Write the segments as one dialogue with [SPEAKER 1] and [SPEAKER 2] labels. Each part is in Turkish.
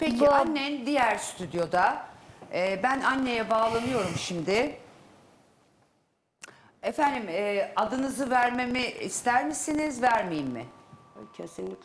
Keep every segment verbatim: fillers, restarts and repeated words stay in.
[SPEAKER 1] Peki
[SPEAKER 2] Bu-
[SPEAKER 1] annen diğer stüdyoda. Ee, ben anneye bağlanıyorum şimdi. Efendim e, adınızı vermemi ister misiniz, vermeyeyim mi?
[SPEAKER 3] Kesinlikle.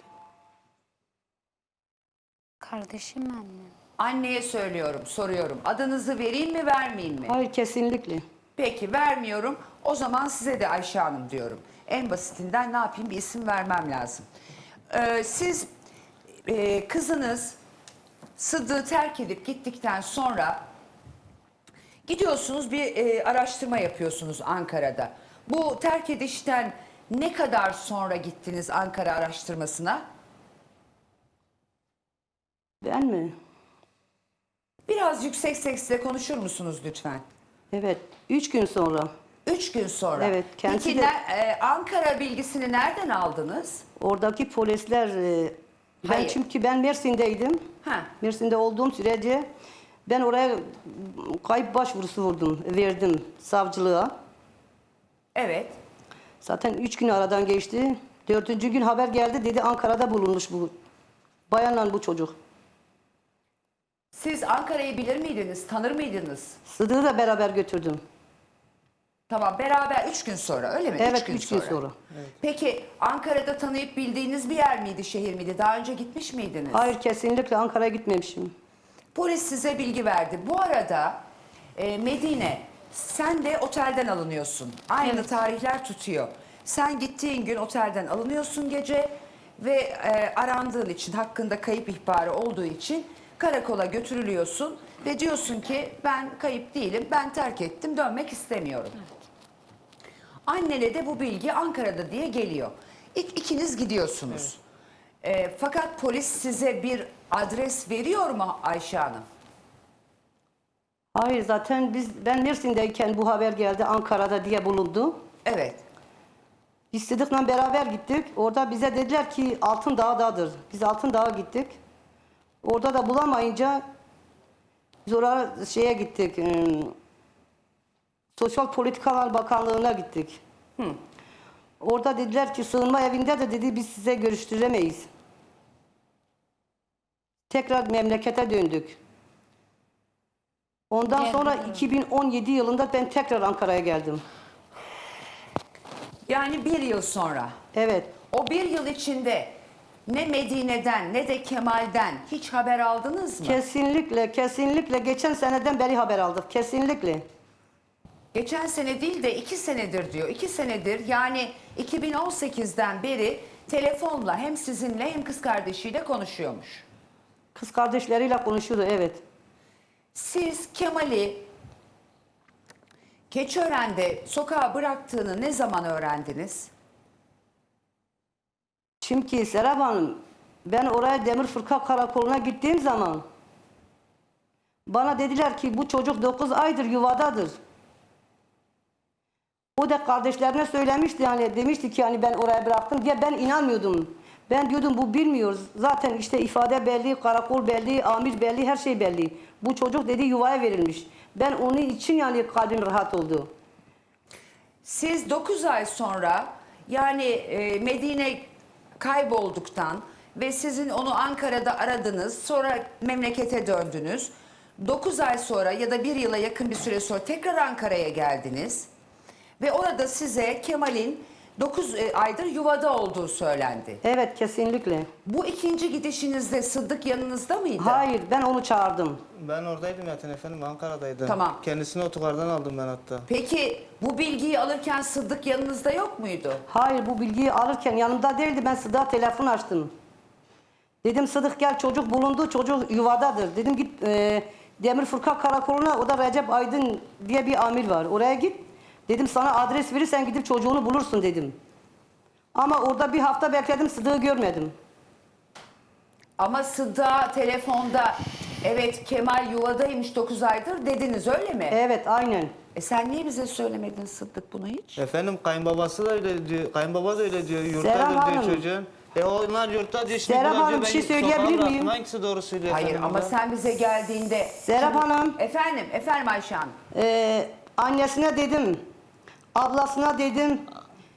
[SPEAKER 2] Kardeşim annem.
[SPEAKER 1] Anneye söylüyorum, soruyorum. Adınızı vereyim mi, vermeyeyim mi?
[SPEAKER 3] Hayır, kesinlikle.
[SPEAKER 1] Peki vermiyorum. O zaman size de Ayşe Hanım diyorum. En basitinden ne yapayım, bir isim vermem lazım. Ee, siz e, kızınız Sıddık'ı terk edip gittikten sonra gidiyorsunuz, bir e, araştırma yapıyorsunuz Ankara'da. Bu terk edişten ne kadar sonra gittiniz Ankara araştırmasına?
[SPEAKER 3] Ben mi?
[SPEAKER 1] Biraz yüksek sesle konuşur musunuz lütfen?
[SPEAKER 3] Evet. Üç gün sonra.
[SPEAKER 1] Üç gün sonra.
[SPEAKER 3] Evet, kendisi
[SPEAKER 1] Peki
[SPEAKER 3] de-
[SPEAKER 1] ne- e, Ankara bilgisini nereden aldınız?
[SPEAKER 3] Oradaki polisler... e, Ben
[SPEAKER 1] Hayır.
[SPEAKER 3] çünkü ben Mersin'deydim.
[SPEAKER 1] Ha.
[SPEAKER 3] Mersin'de olduğum sürece ben oraya kayıp başvurusu vurdum, verdim savcılığa.
[SPEAKER 1] Evet.
[SPEAKER 3] Zaten üç gün aradan geçti. Dördüncü gün haber geldi, dedi Ankara'da bulunmuş bu bayanla bu çocuk.
[SPEAKER 1] Siz Ankara'yı bilir miydiniz, tanır mıydınız?
[SPEAKER 3] Sıdık'ı da beraber götürdüm.
[SPEAKER 1] Tamam, beraber üç gün sonra, öyle mi?
[SPEAKER 3] Evet, üç gün sonra.
[SPEAKER 1] Peki Ankara'da tanıyıp bildiğiniz bir yer miydi, şehir miydi? Daha önce gitmiş miydiniz?
[SPEAKER 3] Hayır, kesinlikle Ankara'ya gitmemişim.
[SPEAKER 1] Polis size bilgi verdi. Bu arada e, Medine, sen de otelden alınıyorsun. Aynı
[SPEAKER 2] Evet.
[SPEAKER 1] tarihler tutuyor. Sen gittiğin gün otelden alınıyorsun gece ve e, arandığın için, hakkında kayıp ihbarı olduğu için karakola götürülüyorsun ve diyorsun ki ben kayıp değilim, ben terk ettim, dönmek istemiyorum. Annene de bu bilgi Ankara'da diye geliyor. İk, ikiniz gidiyorsunuz. E, fakat polis size bir adres veriyor mu Ayşe Hanım?
[SPEAKER 3] Hayır, zaten biz ben Mersin'deyken bu haber geldi, Ankara'da diye bulundu.
[SPEAKER 1] Evet.
[SPEAKER 3] Biz Sıdık'la beraber gittik. Orada bize dediler ki Altın Dağ'dadır. Biz Altın Dağ'a gittik. Orada da bulamayınca biz oraya şeye gittik. ım, Sosyal Politikalar Bakanlığı'na gittik. Orada dediler ki sığınma evinde de dedi biz size görüştüremeyiz. Tekrar memlekete döndük. Ondan
[SPEAKER 2] Geldim,
[SPEAKER 3] sonra
[SPEAKER 2] evet.
[SPEAKER 3] iki bin on yedi yılında ben tekrar Ankara'ya geldim.
[SPEAKER 1] Yani bir yıl sonra.
[SPEAKER 3] Evet.
[SPEAKER 1] O bir yıl içinde ne Medine'den ne de Kemal'den hiç haber aldınız mı?
[SPEAKER 3] Kesinlikle, kesinlikle geçen seneden beri haber aldık. Kesinlikle.
[SPEAKER 1] Geçen sene değil de iki senedir diyor. İki senedir, yani iki bin on sekizden beri telefonla hem sizinle hem kız kardeşiyle konuşuyormuş.
[SPEAKER 3] Kız kardeşleriyle konuşuyordu, evet.
[SPEAKER 1] Siz Kemal'i Keçiören'de sokağa bıraktığını ne zaman öğrendiniz?
[SPEAKER 3] Çünkü Serap Hanım, ben oraya Demirfırka Karakolu'na gittiğim zaman bana dediler ki bu çocuk dokuz aydır yuvadadır. O da kardeşlerine söylemişti, yani demişti ki hani ben oraya bıraktım diye, ben inanmıyordum. Ben diyordum bu bilmiyor. Zaten işte ifade belli, karakol belli, amir belli, her şey belli. Bu çocuk dedi yuvaya verilmiş. Ben onun için yani kalbim rahat oldu.
[SPEAKER 1] Siz dokuz ay sonra, yani e, Medine kaybolduktan ve sizin onu Ankara'da aradınız, sonra memlekete döndünüz. dokuz ay sonra ya da bir yıla yakın bir süre sonra tekrar Ankara'ya geldiniz. Ve orada size Kemal'in dokuz aydır yuvada olduğu söylendi.
[SPEAKER 3] Evet, kesinlikle.
[SPEAKER 1] Bu ikinci gidişinizde Sıddık yanınızda mıydı?
[SPEAKER 3] Hayır, ben onu çağırdım.
[SPEAKER 4] Ben oradaydım zaten efendim, Ankara'daydım.
[SPEAKER 1] Tamam.
[SPEAKER 4] Kendisini otogardan aldım ben hatta.
[SPEAKER 1] Peki bu bilgiyi alırken Sıddık yanınızda yok muydu?
[SPEAKER 3] Hayır, bu bilgiyi alırken yanımda değildi. Ben Sıdık'a telefon açtım. Dedim Sıdık gel, çocuk bulundu, çocuk yuvadadır. Dedim git e, Demirfırka Karakolu'na, o da Recep Aydın diye bir amir var. Oraya git. Dedim sana adres verirsen gidip çocuğunu bulursun dedim. Ama orada bir hafta bekledim, Sıdık'ı görmedim.
[SPEAKER 1] Ama Sıddık'a telefonda evet Kemal yuvadaymış dokuz aydır dediniz, öyle mi?
[SPEAKER 3] Evet, aynen.
[SPEAKER 1] E sen niye bize söylemedin Sıddık bunu hiç?
[SPEAKER 4] Efendim kayınbabası da öyle diyor, kayınbaba da öyle diyor,
[SPEAKER 3] Serap
[SPEAKER 4] yurttadır diyor
[SPEAKER 3] Hanım.
[SPEAKER 4] çocuğun. E onlar yurtta diyor, şimdi
[SPEAKER 3] Serap
[SPEAKER 4] buna
[SPEAKER 3] Hanım,
[SPEAKER 4] diyor,
[SPEAKER 3] bir
[SPEAKER 4] ben
[SPEAKER 3] şey
[SPEAKER 4] sokağa
[SPEAKER 3] söyleyebilir
[SPEAKER 4] bıraktım.
[SPEAKER 3] miyim?
[SPEAKER 4] Hangisi doğru söylüyor
[SPEAKER 1] Hayır
[SPEAKER 4] efendim
[SPEAKER 1] ama
[SPEAKER 4] burada?
[SPEAKER 1] sen bize geldiğinde...
[SPEAKER 3] Serap Hanım.
[SPEAKER 1] Efendim, efendim Ayşe Hanım.
[SPEAKER 3] Ee, annesine dedim, ablasına dedim,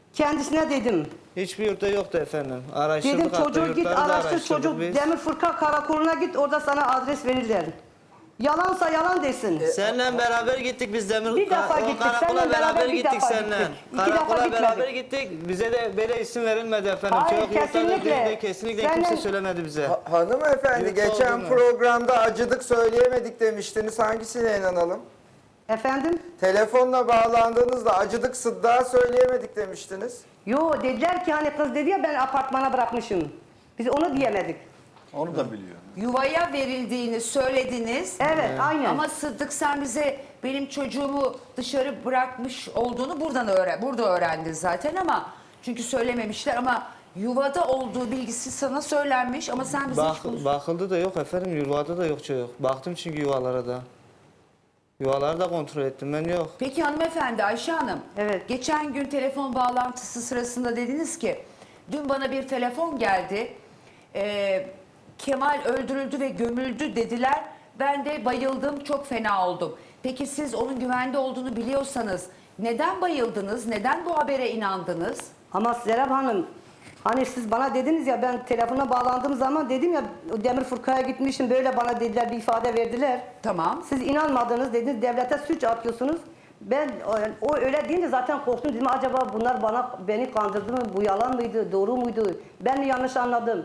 [SPEAKER 3] Kendisine dedim.
[SPEAKER 4] Hiçbir yurtta yoktu efendim. Araştırdık
[SPEAKER 3] Dedim
[SPEAKER 4] hatta
[SPEAKER 3] çocuğu git
[SPEAKER 4] yurtları da
[SPEAKER 3] araştır,
[SPEAKER 4] araştırdık
[SPEAKER 3] çocuk
[SPEAKER 4] biz.
[SPEAKER 3] Demir Fırka karakoluna git, orada sana adres verirler. Yalansa yalan desin.
[SPEAKER 4] Seninle beraber gittik biz Demir
[SPEAKER 3] Bir defa
[SPEAKER 4] o
[SPEAKER 3] gittik,
[SPEAKER 4] karakola
[SPEAKER 3] seninle
[SPEAKER 4] beraber
[SPEAKER 3] beraber bir
[SPEAKER 4] gittik
[SPEAKER 3] defa
[SPEAKER 4] seninle.
[SPEAKER 3] gittik. İki defa
[SPEAKER 4] Karakola
[SPEAKER 3] gitmedik.
[SPEAKER 4] beraber gittik. Bize de böyle isim verilmedi efendim.
[SPEAKER 3] Hayır,
[SPEAKER 4] Çok yurtlarda
[SPEAKER 3] kesinlikle.
[SPEAKER 4] değil de kesinlikle
[SPEAKER 3] Seninle-
[SPEAKER 4] kimse söylemedi bize.
[SPEAKER 5] Ha- Hanımefendi
[SPEAKER 4] Yurtta
[SPEAKER 5] geçen
[SPEAKER 4] olduğunu.
[SPEAKER 5] programda acıdık söyleyemedik demiştiniz. Hangisine inanalım?
[SPEAKER 3] Efendim?
[SPEAKER 5] Telefonla bağlandığınızda acıdık sıddığa söyleyemedik demiştiniz.
[SPEAKER 3] Yo, dediler ki hani kız dedi ya ben apartmana bırakmışım. Biz onu diyemedik.
[SPEAKER 6] Onu da biliyor.
[SPEAKER 1] Yuvaya verildiğini söylediniz.
[SPEAKER 3] Evet, aynen.
[SPEAKER 1] Ama Sıddık sen bize benim çocuğumu dışarı bırakmış olduğunu buradan öğren, burada öğrendin zaten ama çünkü söylememişler ama yuvada olduğu bilgisi sana söylenmiş ama sen bize
[SPEAKER 4] Bak,
[SPEAKER 1] hiç bunu-
[SPEAKER 4] bakıldı da yok efendim. Yuvada da yok çocuk. Baktım çünkü yuvalara da. Yuvaları da kontrol ettim ben yok.
[SPEAKER 1] Peki hanımefendi Ayşe Hanım.
[SPEAKER 3] Evet.
[SPEAKER 1] Geçen gün telefon bağlantısı sırasında dediniz ki dün bana bir telefon geldi. Ee, Kemal öldürüldü ve gömüldü dediler. Ben de bayıldım, çok fena oldum. Peki siz onun güvende olduğunu biliyorsanız neden bayıldınız? Neden bu habere inandınız?
[SPEAKER 3] Ama Serap Hanım, hani siz bana dediniz ya ben telefona bağlandığım zaman dedim ya Demir Fırka'ya gitmişim böyle bana dediler bir ifade verdiler.
[SPEAKER 1] Tamam.
[SPEAKER 3] Siz inanmadınız dediniz devlete suç atıyorsunuz. Ben o, o öyle deyince zaten korktum dedim acaba bunlar bana beni kandırdı mı bu yalan mıydı doğru muydu ben mi yanlış anladım?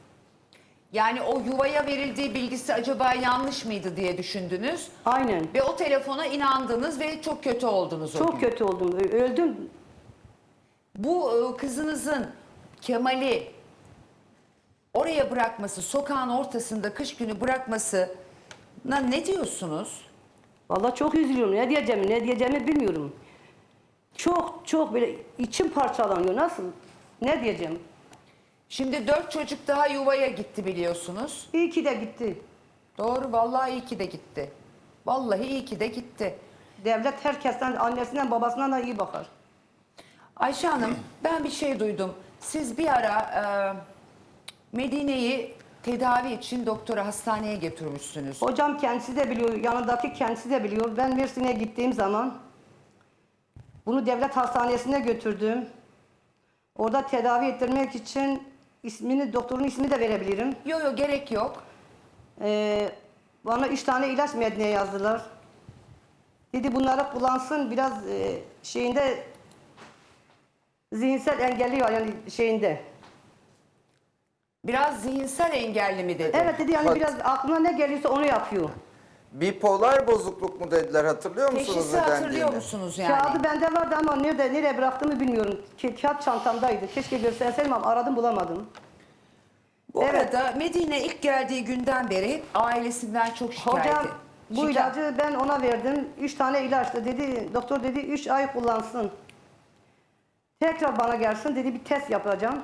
[SPEAKER 1] Yani o yuvaya verildiği bilgisi acaba yanlış mıydı diye düşündünüz.
[SPEAKER 3] Aynen.
[SPEAKER 1] Ve o telefona inandınız ve çok kötü oldunuz o gün.
[SPEAKER 3] Çok kötü oldum ö- öldüm.
[SPEAKER 1] Bu e, kızınızın Kemal'i oraya bırakması, sokağın ortasında kış günü bırakmasına ne diyorsunuz?
[SPEAKER 3] Vallahi çok üzülüyorum ne diyeceğimi ne diyeceğimi bilmiyorum. Çok çok böyle içim parçalanıyor nasıl ne diyeceğim?
[SPEAKER 1] Şimdi dört çocuk daha yuvaya gitti biliyorsunuz.
[SPEAKER 3] İyi ki de gitti.
[SPEAKER 1] Doğru, vallahi iyi ki de gitti. Vallahi iyi ki de gitti.
[SPEAKER 3] Devlet herkesten annesinden babasından da iyi bakar.
[SPEAKER 1] Ayşe Hanım, ben bir şey duydum. Siz bir ara e, Medine'yi tedavi için doktora hastaneye götürmüşsünüz.
[SPEAKER 3] Hocam kendisi de biliyor, yanındaki kendisi de biliyor. Ben Mersin'e gittiğim zaman bunu devlet hastanesine götürdüm. Orada tedavi ettirmek için ismini, doktorun ismini de verebilirim.
[SPEAKER 1] Yok yok gerek yok.
[SPEAKER 3] Ee, bana üç tane ilaç Medine'ye yazdılar. Dedi bunları kullansın biraz e, şeyinde zihinsel engelli var yani şeyinde.
[SPEAKER 1] Biraz zihinsel engelli mi dedi?
[SPEAKER 3] Evet dedi yani
[SPEAKER 5] Bak-
[SPEAKER 3] biraz aklına ne geliyorsa onu yapıyor.
[SPEAKER 5] Bipolar bozukluk mu dediler hatırlıyor musunuz
[SPEAKER 1] Teşhisi
[SPEAKER 5] ne
[SPEAKER 1] hatırlıyor
[SPEAKER 5] dendiğini?
[SPEAKER 1] musunuz yani?
[SPEAKER 3] Kağıdı bende vardı ama nerede nereye bıraktığımı bilmiyorum. Ka- kağıt çantamdaydı. Keşke gösterseydim ama aradım bulamadım.
[SPEAKER 1] Bu
[SPEAKER 3] Evet.
[SPEAKER 1] arada Medine ilk geldiği günden beri hep ailesinden çok şikayet.
[SPEAKER 3] Hocam bu
[SPEAKER 1] Şikayet-
[SPEAKER 3] ilacı ben ona verdim. Üç tane ilaçtı dedi. Doktor dedi üç ay kullansın. Tekrar bana gelsin dedi bir test yapacağım.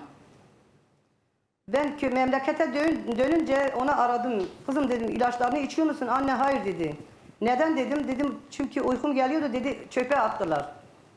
[SPEAKER 3] Ben kö- memlekete dön, dönünce ona aradım. Kızım dedim ilaçlarını içiyor musun? Anne hayır dedi. Neden dedim? Dedim çünkü uykum geliyordu dedi çöpe attılar.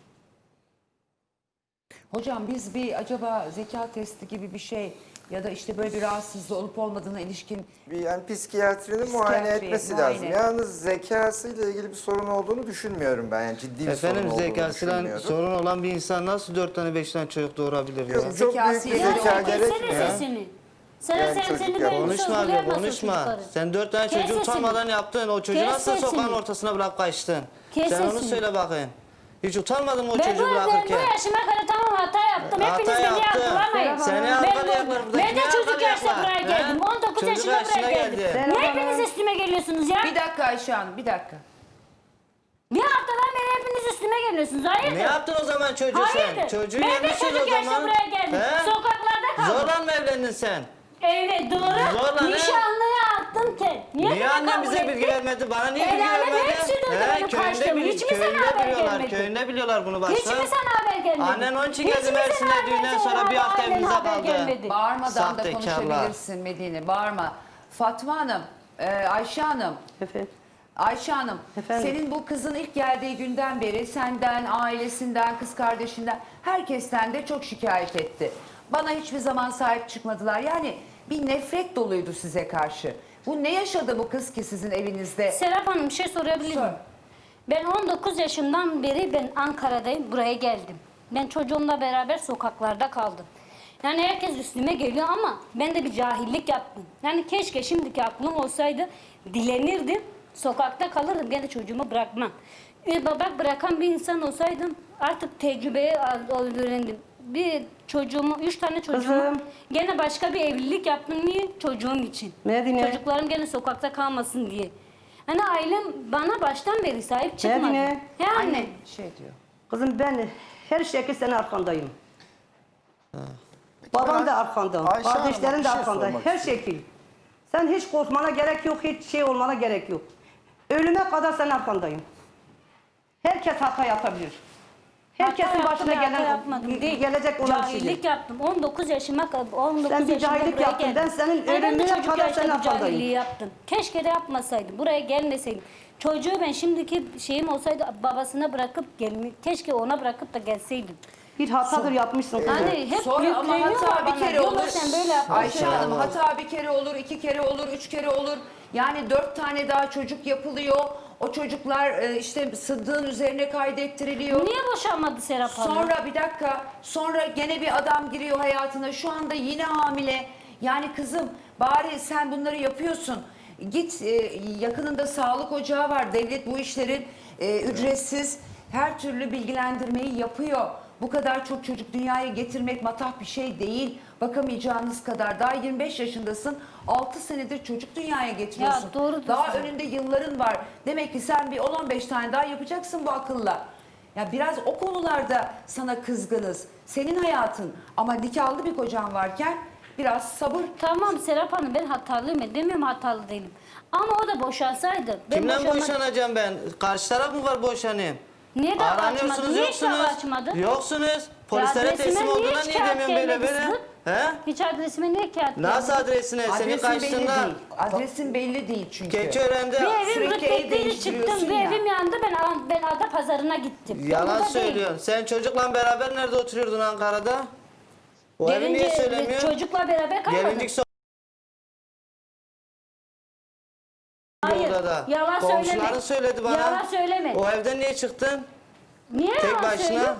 [SPEAKER 1] Hocam biz bir acaba zeka testi gibi bir şey ya da işte böyle bir rahatsızlığı olup olmadığına ilişkin
[SPEAKER 5] Bir yani psikiyatrinin muayene
[SPEAKER 1] Psikiyatri,
[SPEAKER 5] etmesi
[SPEAKER 1] muayene.
[SPEAKER 5] lazım. Yalnız zekasıyla ilgili bir sorun olduğunu düşünmüyorum ben. Yani ciddi bir
[SPEAKER 4] Efendim
[SPEAKER 5] sorun olduğunu
[SPEAKER 4] zekasıyla
[SPEAKER 5] düşünmüyorum.
[SPEAKER 4] sorun olan bir insan nasıl dört tane beş tane çocuk doğurabilir ya?
[SPEAKER 5] Yok, çok büyük
[SPEAKER 1] Zekası
[SPEAKER 5] bir
[SPEAKER 1] yerinde
[SPEAKER 5] zeka
[SPEAKER 1] olmadı.
[SPEAKER 5] gerekmiyor.
[SPEAKER 2] Kessene sesini. Sen
[SPEAKER 5] Yani
[SPEAKER 2] sen
[SPEAKER 5] çocuk
[SPEAKER 2] seni
[SPEAKER 5] ya.
[SPEAKER 2] böyle
[SPEAKER 4] Konuşma abi
[SPEAKER 2] sorgulayamazsın
[SPEAKER 4] konuşma.
[SPEAKER 2] çocukları.
[SPEAKER 4] Sen dört tane
[SPEAKER 2] Kes
[SPEAKER 4] çocuğu
[SPEAKER 2] sesini.
[SPEAKER 4] utanmadan yaptın. O çocuğu
[SPEAKER 2] Kes
[SPEAKER 4] nasıl
[SPEAKER 2] sesini.
[SPEAKER 4] sokağın ortasına bırak kaçtın?
[SPEAKER 2] Kes
[SPEAKER 4] Sen onu
[SPEAKER 2] sesini.
[SPEAKER 4] söyle bakayım. Hiç utanmadın mı o
[SPEAKER 2] Ben bu,
[SPEAKER 4] çocuğu
[SPEAKER 2] ben bu
[SPEAKER 4] bırakırken?
[SPEAKER 2] yaşıma kadar tamam hata yaptım.
[SPEAKER 4] Hata
[SPEAKER 2] Hepiniz beni
[SPEAKER 4] yaptın.
[SPEAKER 2] yargılamayın.
[SPEAKER 4] Seni
[SPEAKER 2] Ben
[SPEAKER 4] yargılayacaklar
[SPEAKER 2] bu-
[SPEAKER 4] burada.
[SPEAKER 2] Ben de
[SPEAKER 4] Kimi
[SPEAKER 2] çocuk yaşta
[SPEAKER 4] yargılayacaklar?
[SPEAKER 2] buraya
[SPEAKER 4] He?
[SPEAKER 2] geldim. on dokuz
[SPEAKER 4] Çocuk
[SPEAKER 2] yaşında
[SPEAKER 4] yaşına
[SPEAKER 2] buraya geldim.
[SPEAKER 4] geldin.
[SPEAKER 2] Ne hepiniz üstüme geliyorsunuz ya?
[SPEAKER 1] bir dakika Ayşe Hanım bir dakika.
[SPEAKER 2] Bir haftadan beri hepiniz üstüme geliyorsunuz. Hayırdır?
[SPEAKER 4] Ne yaptın o zaman çocuğu
[SPEAKER 2] Hayırdır?
[SPEAKER 4] sen? Çocuğu
[SPEAKER 2] Ben de
[SPEAKER 4] yemişsin o
[SPEAKER 2] çocuk yaşta
[SPEAKER 4] zaman.
[SPEAKER 2] buraya geldim.
[SPEAKER 4] He?
[SPEAKER 2] Sokaklarda kaldım.
[SPEAKER 4] Zorla mı evlendin sen?
[SPEAKER 2] Evet doğru.
[SPEAKER 4] Zorla ne?
[SPEAKER 2] Nişanlıya attım ki. Niye,
[SPEAKER 4] Niye
[SPEAKER 2] bana
[SPEAKER 4] annem
[SPEAKER 2] kabul
[SPEAKER 4] bize
[SPEAKER 2] etti?
[SPEAKER 4] bilgi vermedi? Bana niye
[SPEAKER 2] El
[SPEAKER 4] bilgi
[SPEAKER 2] alem
[SPEAKER 4] vermedi?
[SPEAKER 2] hepsi duydu benim
[SPEAKER 4] köyünde,
[SPEAKER 2] kaçtığımı.
[SPEAKER 4] bil-
[SPEAKER 2] Hiç mi sana
[SPEAKER 4] köyünde
[SPEAKER 2] haber
[SPEAKER 4] biliyorlar.
[SPEAKER 2] gelmedi?
[SPEAKER 4] Köyünde biliyorlar bunu başta.
[SPEAKER 2] Hiç mi sana haber gelmedi?
[SPEAKER 4] Annen onun için
[SPEAKER 2] Hiç
[SPEAKER 4] geldi
[SPEAKER 2] mi sana
[SPEAKER 4] Mersin'e
[SPEAKER 2] haber
[SPEAKER 4] düğünden
[SPEAKER 2] gelmedi?
[SPEAKER 4] sonra bir hafta
[SPEAKER 2] Annen
[SPEAKER 4] evimizde
[SPEAKER 2] haber
[SPEAKER 4] kaldı.
[SPEAKER 2] gelmedi.
[SPEAKER 1] Bağırmadan da
[SPEAKER 4] Sahtekarlar.
[SPEAKER 1] konuşabilirsin Medine bağırma. Fatma Hanım, e, Ayşe Hanım.
[SPEAKER 3] Efendim.
[SPEAKER 1] Ayşe Hanım,
[SPEAKER 3] Efendim?
[SPEAKER 1] senin bu kızın ilk geldiği günden beri senden, ailesinden, kız kardeşinden, herkesten de çok şikayet etti. Bana hiçbir zaman sahip çıkmadılar. Yani bir nefret doluydu size karşı. Bu ne yaşadı bu kız ki sizin evinizde?
[SPEAKER 2] Serap Hanım bir şey sorabilir
[SPEAKER 1] Sor.
[SPEAKER 2] miyim? Ben on dokuz yaşımdan beri ben Ankara'dayım. Buraya geldim. Ben çocuğumla beraber sokaklarda kaldım. Yani herkes üstüme geliyor ama ben de bir cahillik yaptım. Yani keşke şimdiki aklım olsaydı dilenirdim, sokakta kalırdım. Gene çocuğumu bırakmam. Bir baba bırakan bir insan olsaydım artık tecrübeyi al- öğrendim. Bir çocuğumu, üç tane çocuğumu
[SPEAKER 3] Kızım.
[SPEAKER 2] gene başka bir evlilik yaptım. Niye? Çocuğum için.
[SPEAKER 3] Medine.
[SPEAKER 2] Çocuklarım gene sokakta kalmasın diye. Hani ailem bana baştan beri sahip çıkmadı.
[SPEAKER 3] Medine.
[SPEAKER 2] He anne.
[SPEAKER 1] Anne şey diyor.
[SPEAKER 3] Kızım ben her şekilde senin arkandayım. Babam da arkanda,
[SPEAKER 5] Ayşe Hanım'a
[SPEAKER 3] kardeşlerin
[SPEAKER 5] bir
[SPEAKER 3] de
[SPEAKER 5] şey
[SPEAKER 3] arkanda.
[SPEAKER 5] sormak
[SPEAKER 3] Her
[SPEAKER 5] istiyorum.
[SPEAKER 3] şekil. Sen hiç korkmana gerek yok, hiç şey olmana gerek yok. Ölüme kadar senin arkandayım. Herkes hata yapabilir. Herkesin
[SPEAKER 2] Hata
[SPEAKER 3] başına
[SPEAKER 2] yaptım, hata
[SPEAKER 3] gelen,
[SPEAKER 2] yapmadım değil.
[SPEAKER 3] gelecek olan bir
[SPEAKER 2] Cahillik
[SPEAKER 3] şeydir.
[SPEAKER 2] yaptım. on dokuz yaşıma kadar, on dokuz
[SPEAKER 3] Sen bir
[SPEAKER 2] yaşında
[SPEAKER 3] cahillik
[SPEAKER 2] buraya
[SPEAKER 3] yaptın.
[SPEAKER 2] geldim.
[SPEAKER 3] Ben senin
[SPEAKER 2] Yani ben de
[SPEAKER 3] ölümüne
[SPEAKER 2] çocuk
[SPEAKER 3] kadar
[SPEAKER 2] yaşta
[SPEAKER 3] senin
[SPEAKER 2] bu
[SPEAKER 3] arkandayım.
[SPEAKER 2] cahilliği yaptım. Keşke de yapmasaydım. Buraya gelmeseydim. Çocuğu ben şimdiki şeyim olsaydı babasına bırakıp gelme, keşke ona bırakıp da gelseydim.
[SPEAKER 3] Bir hatadır yapmışsın. kızım.
[SPEAKER 2] Hani hep
[SPEAKER 1] Sonra ama
[SPEAKER 2] yükleniyorlar
[SPEAKER 1] hata bir
[SPEAKER 2] bana.
[SPEAKER 1] kere
[SPEAKER 2] Diyorlar,
[SPEAKER 1] olur.
[SPEAKER 2] sen böyle yapma.
[SPEAKER 1] Ayşe Hanım hata bir kere olur, iki kere olur, üç kere olur. Yani dört tane daha çocuk yapılıyor. O çocuklar e, işte Sıddık'ın üzerine kaydettiriliyor.
[SPEAKER 2] Niye boşanmadı Serap Hanım?
[SPEAKER 1] Sonra bir dakika, sonra gene bir adam giriyor hayatına. Şu anda yine hamile. Yani kızım bari sen bunları yapıyorsun. Git e, yakınında sağlık ocağı var. Devlet bu işlerin e, ücretsiz her türlü bilgilendirmeyi yapıyor. Bu kadar çok çocuk dünyaya getirmek matah bir şey değil. Bakamayacağınız kadar. Daha yirmi beş yaşındasın. altı senedir çocuk dünyaya getiriyorsun.
[SPEAKER 2] Ya, doğru
[SPEAKER 1] Daha
[SPEAKER 2] diyorsun.
[SPEAKER 1] önünde yılların var. Demek ki sen bir on on beş tane daha yapacaksın bu akılla. Ya biraz o konularda sana kızgınız. Senin hayatın ama nikahlı bir kocan varken biraz sabır.
[SPEAKER 2] Tamam Serap Hanım ben hatalıyım. Demiyorum hatalı değilim. Ama o da boşansaydı. Ben
[SPEAKER 4] Kimden
[SPEAKER 2] boşanma-
[SPEAKER 4] boşanacağım ben? Karşı taraf mı var boşanayım?
[SPEAKER 2] Niye dava açmadı?
[SPEAKER 4] Aranıyorsunuz
[SPEAKER 2] Niye hiç dava
[SPEAKER 4] yoksunuz.
[SPEAKER 2] açmadı?
[SPEAKER 4] Yoksunuz. Polislere
[SPEAKER 2] adresime
[SPEAKER 4] teslim
[SPEAKER 2] niye
[SPEAKER 4] olduğuna
[SPEAKER 2] hiç
[SPEAKER 4] niye
[SPEAKER 2] kağıt
[SPEAKER 4] demiyorsun böyle
[SPEAKER 2] gelmedi
[SPEAKER 4] böyle?
[SPEAKER 2] Sıddık?
[SPEAKER 4] He?
[SPEAKER 2] Hiç adresime niye kağıt
[SPEAKER 4] Nasıl
[SPEAKER 2] gelmedi?
[SPEAKER 4] adresine? Senin
[SPEAKER 1] Adresin belli
[SPEAKER 4] karşında
[SPEAKER 1] değil. Adresin belli değil çünkü.
[SPEAKER 4] Keçiören'de
[SPEAKER 2] Bir evim
[SPEAKER 1] Sürekli ev
[SPEAKER 2] rütbetleri
[SPEAKER 1] değiştiriyorsun
[SPEAKER 2] çıktım. Bir
[SPEAKER 1] ya.
[SPEAKER 2] evim yandı. Ben, ben ada pazarına gittim. Ben
[SPEAKER 4] yalan
[SPEAKER 2] burada değil.
[SPEAKER 4] söylüyorsun. Sen çocukla beraber nerede oturuyordun Ankara'da? O evi niye
[SPEAKER 2] Gelince
[SPEAKER 4] söylemiyorsun?
[SPEAKER 2] çocukla beraber kalmadım.
[SPEAKER 4] Gelincik so-
[SPEAKER 2] Hayır.
[SPEAKER 4] odada.
[SPEAKER 2] Yalan
[SPEAKER 4] Komşuların
[SPEAKER 2] söyleme.
[SPEAKER 4] söyledi bana.
[SPEAKER 2] Yalan söyleme.
[SPEAKER 4] O evden niye çıktın?
[SPEAKER 2] Niye
[SPEAKER 4] Tek
[SPEAKER 2] yalan
[SPEAKER 4] başına.
[SPEAKER 2] söylüyorsun?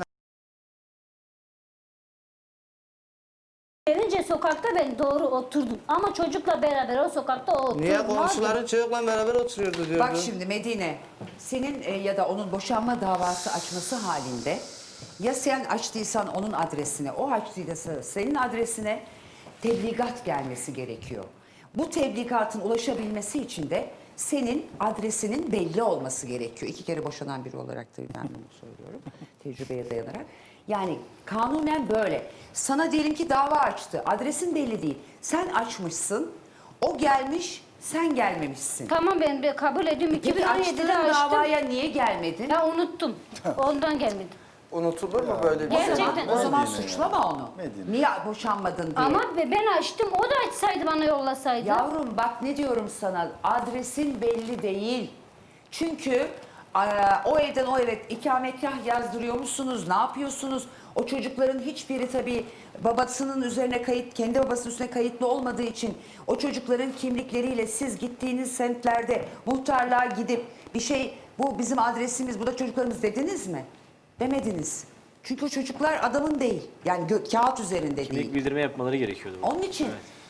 [SPEAKER 2] Gelince sokakta ben doğru oturdum. Ama çocukla beraber o sokakta o oturdu.
[SPEAKER 4] Niye
[SPEAKER 2] Ne oldu?
[SPEAKER 4] komşuların çocukla beraber oturuyordu diyordun?
[SPEAKER 1] Bak şimdi Medine, senin e, ya da onun boşanma davası açması halinde ya sen açtıysan onun adresine, o açtıysa senin adresine tebligat gelmesi gerekiyor. Bu tebligatın ulaşabilmesi için de senin adresinin belli olması gerekiyor. İki kere boşanan biri olarak da ben bunu söylüyorum tecrübeye dayanarak. Yani kanunen böyle. Sana diyelim ki dava açtı, adresin belli değil. Sen açmışsın, o gelmiş, sen gelmemişsin.
[SPEAKER 2] Tamam ben bir kabul ediyorum.
[SPEAKER 1] Peki
[SPEAKER 2] iki bin on yedide
[SPEAKER 1] açtığın
[SPEAKER 2] açtım.
[SPEAKER 1] davaya niye gelmedin?
[SPEAKER 2] Ya unuttum. Ondan gelmedim.
[SPEAKER 5] Unutulur mu böyle bir şey?
[SPEAKER 2] Gerçekten.
[SPEAKER 1] O zaman
[SPEAKER 6] Medine
[SPEAKER 1] suçlama onu.
[SPEAKER 6] Medine.
[SPEAKER 1] Niye boşanmadın diye.
[SPEAKER 2] Ama be- ben açtım. O da açsaydı bana yollasaydı.
[SPEAKER 1] Yavrum bak ne diyorum sana, adresin belli değil. Çünkü e, o evden o eve ikametgah yazdırıyor musunuz? Ne yapıyorsunuz? O çocukların hiçbiri tabii babasının üzerine kayıt, kendi babasının üstüne kayıtlı olmadığı için o çocukların kimlikleriyle siz gittiğiniz semtlerde muhtarlığa gidip bir şey, bu bizim adresimiz, bu da çocuklarımız dediniz mi? Demediniz. Çünkü o çocuklar adamın değil. Yani gö- kağıt üzerinde değil.
[SPEAKER 7] Kimlik bildirme yapmaları gerekiyordu.
[SPEAKER 1] Onun için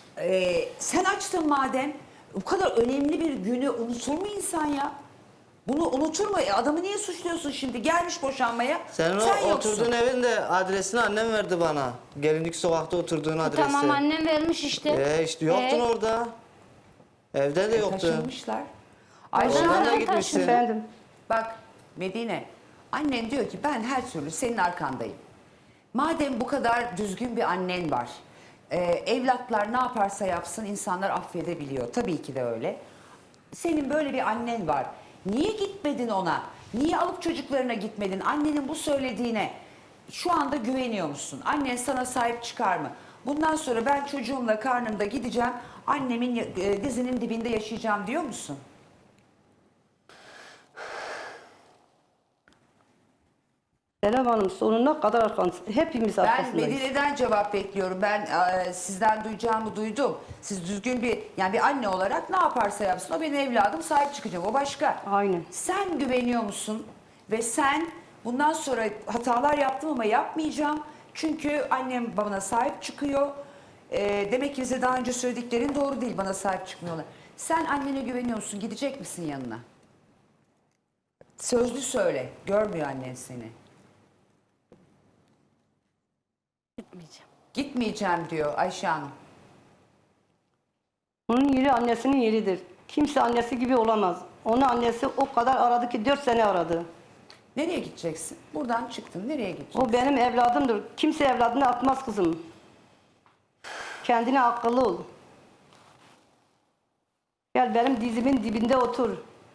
[SPEAKER 1] e, sen açtın madem, bu kadar önemli bir günü unutur mu insan ya? Bunu unutur mu? E, adamı niye suçluyorsun şimdi? Gelmiş boşanmaya.
[SPEAKER 4] Senin o
[SPEAKER 1] sen yoksun.
[SPEAKER 4] oturduğun evin de adresini annem verdi bana. Gelincik sokakta oturduğun adresi.
[SPEAKER 2] Tamam annem vermiş işte.
[SPEAKER 4] Ee, işte yoktun
[SPEAKER 2] Ee?
[SPEAKER 4] orada. Evde de
[SPEAKER 1] E,
[SPEAKER 4] yoktun.
[SPEAKER 1] taşınmışlar. Ayşe
[SPEAKER 4] Oradan
[SPEAKER 1] Hanım,
[SPEAKER 4] da
[SPEAKER 2] Ben
[SPEAKER 4] gitmişsin.
[SPEAKER 2] taşındım.
[SPEAKER 3] Efendim.
[SPEAKER 1] bak Medine, annen diyor ki ben her türlü senin arkandayım. Madem bu kadar düzgün bir annen var, e, evlatlar ne yaparsa yapsın insanlar affedebiliyor. Tabii ki de öyle. Senin böyle bir annen var. Niye gitmedin ona? Niye alıp çocuklarına gitmedin? Annenin bu söylediğine şu anda güveniyor musun? Annen sana sahip çıkar mı? Bundan sonra ben çocuğumla karnımda gideceğim, annemin e, dizinin dibinde yaşayacağım diyor musun?
[SPEAKER 3] Serap Hanım sonuna kadar arkandayız. Hepimiz
[SPEAKER 1] Ben
[SPEAKER 3] arkasındayız.
[SPEAKER 1] Medine'den cevap bekliyorum. Ben e, sizden duyacağımı duydum. Siz düzgün bir, yani bir anne olarak ne yaparsa yapsın o benim evladım, sahip çıkacağım. O başka.
[SPEAKER 3] Aynen.
[SPEAKER 1] Sen güveniyor musun? Ve sen Bundan sonra hatalar yaptım ama yapmayacağım. Çünkü annem bana sahip çıkıyor. Ee, demek ki bize daha önce söylediklerin doğru değil. Bana sahip çıkmıyorlar. Sen annene güveniyorsun. Gidecek misin yanına? Sözlü söyle. Görmüyor annen seni.
[SPEAKER 2] Gitmeyeceğim.
[SPEAKER 1] Gitmeyeceğim diyor Ayşe Hanım.
[SPEAKER 3] Onun yeri annesinin yeridir. Kimse annesi gibi olamaz. Onu annesi o kadar aradı ki dört sene aradı.
[SPEAKER 1] Nereye gideceksin? Buradan çıktın. Nereye gideceksin?
[SPEAKER 3] O benim evladımdır. Kimse evladını atmaz kızım. Kendine akıllı ol. Gel benim dizimin dibinde otur.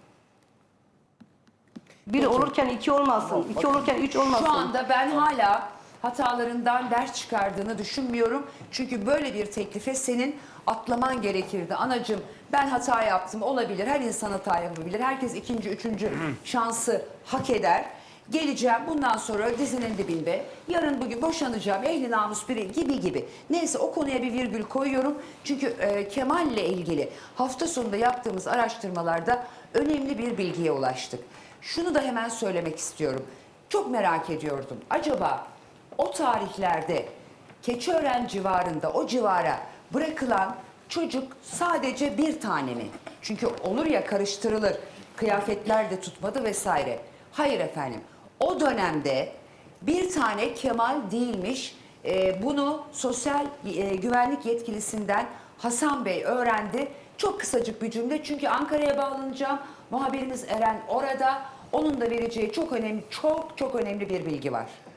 [SPEAKER 3] Bir olurken iki olmasın. iki olurken üç olmasın.
[SPEAKER 1] Şu anda ben hala hatalarından ders çıkardığını düşünmüyorum. Çünkü böyle bir teklife senin atlaman gerekirdi. Anacığım ben hata yaptım, olabilir. Her insan hata yapabilir. Herkes ikinci, üçüncü şansı hak eder. Geleceğim bundan sonra dizinin dibinde. Yarın bugün boşanacağım. Ehli namus biri gibi gibi. Neyse o konuya bir virgül koyuyorum. Çünkü e, Kemal'le ilgili hafta sonunda yaptığımız araştırmalarda önemli bir bilgiye ulaştık. Şunu da hemen söylemek istiyorum. Çok merak ediyordum. Acaba o tarihlerde Keçiören civarında o civara bırakılan çocuk sadece bir tane mi? Çünkü olur ya karıştırılır. Kıyafetler de tutmadı vesaire. Hayır efendim. O dönemde bir tane Kemal değilmiş. Ee, bunu sosyal e, güvenlik yetkilisinden Hasan Bey öğrendi. Çok kısacık bir cümle çünkü Ankara'ya bağlanacağım. Muhabirimiz Eren orada. Onun da vereceği çok önemli, çok çok önemli bir bilgi var.